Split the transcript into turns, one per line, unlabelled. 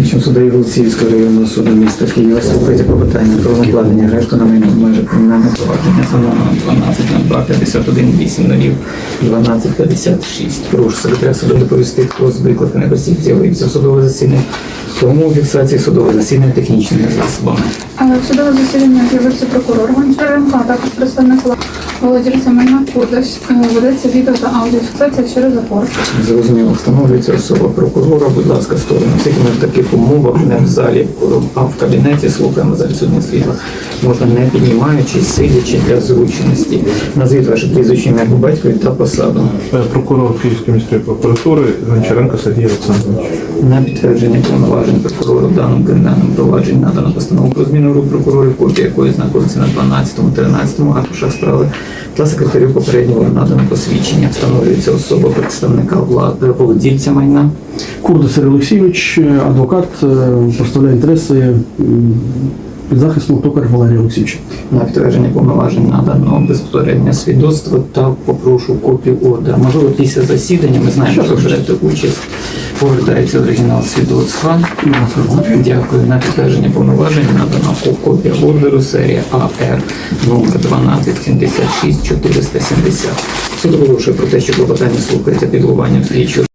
Слідчим суддею Голосіївського районного суду міста Києва слухається клопотання про накладення арешту на майно в межах кримінального провадження за номером 12.02.51.00-12.56. Прошу секретаря суду доповісти, хто з викликаних осіб з'явився в судове засідання, тому фіксації судового засідання технічними засобами.
Але в судове засідання з'явився прокурор Гончаренко, а також представник володільця майна Курдась. Ведеться відео та аудіофіксація через запор.
Зрозуміло, встановлюється особа прокурора. Будь ласка, сторону. Оскільки ми в таких умовах, не в залі, а в кабінеті слухаємо за відсутність світла. Можна не піднімаючись, сидячи для зручності. Назвіть ваше прізвище, ім'я, по батькові та посаду.
Прокурор Київської міської прокуратури Гончаренко Сергій Олександрович.
На підтвердження повноважень прокурора в даному кримінальному провадженні надано постанову про зміну рук прокурорів, копія якої знаходиться на 12-13 аркушах справи, та секретарю попереднього надано посвідчення. Встановлюється особа представника влади, володільця майна.
Курдас Сергій Олексійович, адвокат, представляє інтереси підзахисного Токар Валерія Олексійовича.
На підтвердження повноважень надано безпосереднє свідоцтво та попрошу копію ордера. Можливо, після засідання, ми знаємо, що берете участь, повертається оригінал свідоцтва. Дякую. На підтвердження повноважень надано копія ордеру серія АР номер 1276 470. Суд оголошує про те, що клопотання слухається під головуванням слідчого